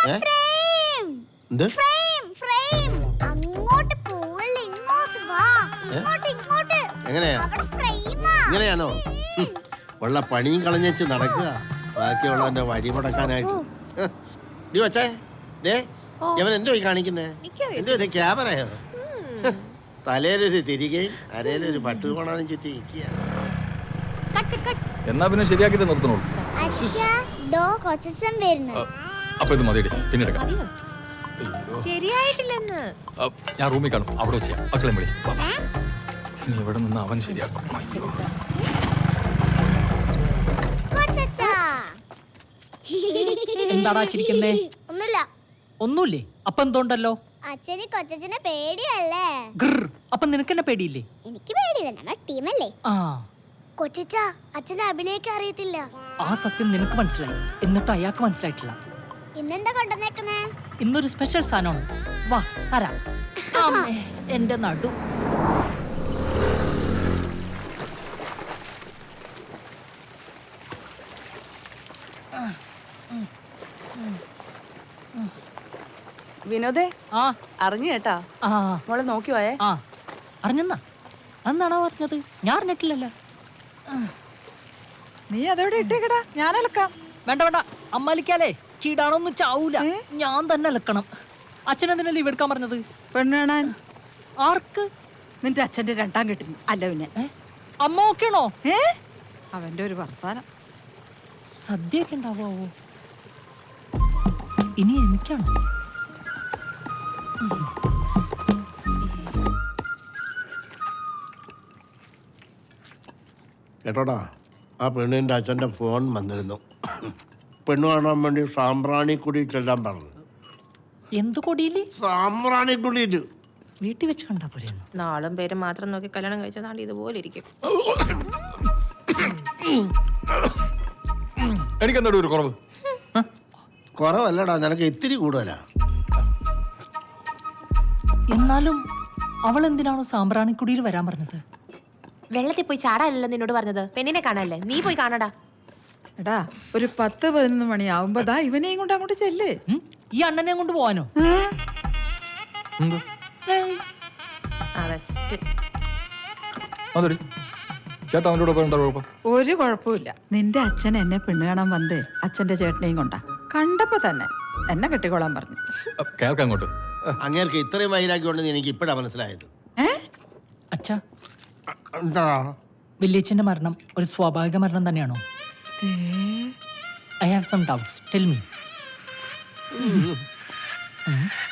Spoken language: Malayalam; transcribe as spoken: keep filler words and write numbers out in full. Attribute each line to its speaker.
Speaker 1: എന്ത്
Speaker 2: അങ്ങോട്ട് പോവല്ലേ, ഇങ്ങോട്ട് വാ. ഇങ്ങോട്ട് ഇങ്ങോട്ട്.
Speaker 1: എങ്ങനെയാ
Speaker 2: അവിടെ ഫ്രെയിമാ.
Speaker 1: ഇങ്ങനെയാണോ? ഉള്ള പണിയും കളഞ്ഞേച്ച് നടക്കുക, ബാക്കിയുള്ളവന്റെ വഴി മുടക്കാനായിട്ട്. ഡി വച്ചേ, ദേ ഇവൻ എന്തോ ഈ കാണിക്കുന്നേ? എന്തോ ഇത് ക്യാമറയോ? തലയിലൊരു തിരികെയും അരയിലൊരു പട്ടുകോണാനും ചുറ്റി നിൽക്കുക.
Speaker 3: എന്നാ പിന്നെ ശരിയാക്കിട്ട് നിർത്തണോളൂ.
Speaker 2: അച്ഛാ, ദോ കൊച്ചച്ഛൻ വരുന്നു.
Speaker 3: അപ്പൊ ഇത് മതിയടി, പിന്നീട്
Speaker 4: ശരിയായിട്ടില്ലെന്ന്.
Speaker 3: ഞാൻ റൂമിൽ കാണും, അവിടെ ചെയ്യാം. മക്കളെ വിളി, നീ ഇവിടെ നിന്ന് അവൻ ശരിയാക്കും.
Speaker 2: കൊച്ചച്ഛാ.
Speaker 5: എന്താടാ ചിരിക്കുന്നേ?
Speaker 2: ഒന്നുമില്ല.
Speaker 5: ഒന്നുമില്ലേ? അപ്പൊ എന്തോണ്ടല്ലോ?
Speaker 2: അച്ഛന് കൊച്ചച്ഛനെ പേടിയല്ലേ?
Speaker 5: അപ്പൊ നിനക്കെന്നെ പേടിയില്ലേ?
Speaker 2: എനിക്ക് പേടിയില്ല, നമ്മുടെ ടീമല്ലേ.
Speaker 5: ആ,
Speaker 2: കൊച്ചച്ഛാ, അച്ഛനെ അഭിനയിക്കാൻ അറിയത്തില്ല.
Speaker 5: ആ സത്യം നിനക്ക് മനസ്സിലായി, എന്നിട്ട് അയാൾക്ക് മനസ്സിലായിട്ടില്ല.
Speaker 2: ഇന്നെന്താ കൊണ്ടുവന്നേക്കുന്നേ?
Speaker 5: ഇന്നൊരു സ്പെഷ്യൽ സാധനമാണ്. വാ തരാം. അമ്മേ, എന്റെ നടു.
Speaker 4: വിനോദേ,
Speaker 5: ആ
Speaker 4: അറിഞ്ഞു കേട്ടാ.
Speaker 5: ആ
Speaker 4: മോളെ നോക്കി പോയേ.
Speaker 5: ആ അറിഞ്ഞെന്നാ? അന്നാണോ പറഞ്ഞത്? ഞാൻ അറിഞ്ഞിട്ടില്ലല്ലോ.
Speaker 4: നീ അതെവിടെ ഇട്ടേക്കടാ, ഞാൻ അലക്കാം.
Speaker 5: വേണ്ട വേണ്ട, അമ്മാലിക്കാലേ ചീടാണൊന്നും ചാവൂല, ഞാൻ തന്നെ അലക്കണം. അച്ഛനെന്തിനാ ലീവ് എടുക്കാൻ പറഞ്ഞത്?
Speaker 4: പെണ്ണാൻ
Speaker 5: ആർക്ക്?
Speaker 4: നിന്റെ അച്ഛന്റെ രണ്ടാം കെട്ടിന്. അല്ല പിന്നെ
Speaker 5: അമ്മ ഓക്കെയാണോ?
Speaker 4: ഏ അവന്റെ ഒരു വർത്താനം.
Speaker 5: സദ്യയൊക്കെ ഉണ്ടാവോ? ഇനി എനിക്കാണോ?
Speaker 1: കേട്ടോടാ, ആ പെണ്ണിൻ്റെ അച്ഛൻ്റെ ഫോൺ വന്നിരുന്നു. പെണ്ണ് കാണാൻ വേണ്ടി സാമ്പ്രാണിക്കുടി ചെല്ലാൻ പറഞ്ഞു.
Speaker 5: എന്ത് കൊടിയില്?
Speaker 1: സാമ്പ്രാണിക്കുടിയിൽ.
Speaker 5: വീട്ടിൽ വെച്ച് കണ്ടാ പോരെ?
Speaker 6: നാളും പേരും മാത്രം നോക്കി കല്യാണം കഴിച്ചതാണ്ട് ഇതുപോലെ ഇരിക്കും.
Speaker 3: എനിക്കെന്താ ഒരു കുറവ്?
Speaker 1: കുറവല്ലടാ, നിനക്ക് ഇത്തിരി കൂടുതലാ.
Speaker 5: എന്നാലും അവൾ എന്തിനാണോ സാമ്പ്രാണിക്കുടിയിൽ വരാൻ പറഞ്ഞത്?
Speaker 6: വെള്ളത്തിൽ പോയി ചാടാനല്ലോ നിന്നോട് പറഞ്ഞത്, പെണ്ണിനെ കാണാനല്ലേ. നീ പോയി കാണടാ.
Speaker 4: എടാ, ഒരു പത്ത് പതിനൊന്ന് മണിയാവുമ്പോതാ ഇവനെയും കൊണ്ട് അങ്ങോട്ട് ചെല്ല്.
Speaker 5: ഈ അണ്ണനെ കൊണ്ട് പോവാനോ?
Speaker 3: അതെടി ചേട്ടാ, അവൻ്റെ കൂടെ എന്താ കുഴപ്പം?
Speaker 4: ഒരു കുഴപ്പമില്ല. നിന്റെ അച്ഛൻ എന്നെ പെണ്ണ് കാണാൻ വന്നേ അച്ഛന്റെ ചേട്ടനെയും കൊണ്ടാ. കണ്ടപ്പോ തന്നെ എന്നെ കെട്ടിക്കോളാൻ പറഞ്ഞു.
Speaker 3: കേൾക്കാം അങ്ങോട്ട്.
Speaker 1: അങ്ങേർക്ക് ഇത്രയും വൈരാഗ്യമുണ്ടെന്ന് എനിക്ക് ഇപ്പഴാ മനസ്സിലായത്.
Speaker 5: അച്ഛാ,
Speaker 1: എന്താ
Speaker 5: വല്യച്ഛന്റെ മരണം ഒരു സ്വാഭാവിക മരണം തന്നെയാണോ? I have some doubts, tell me.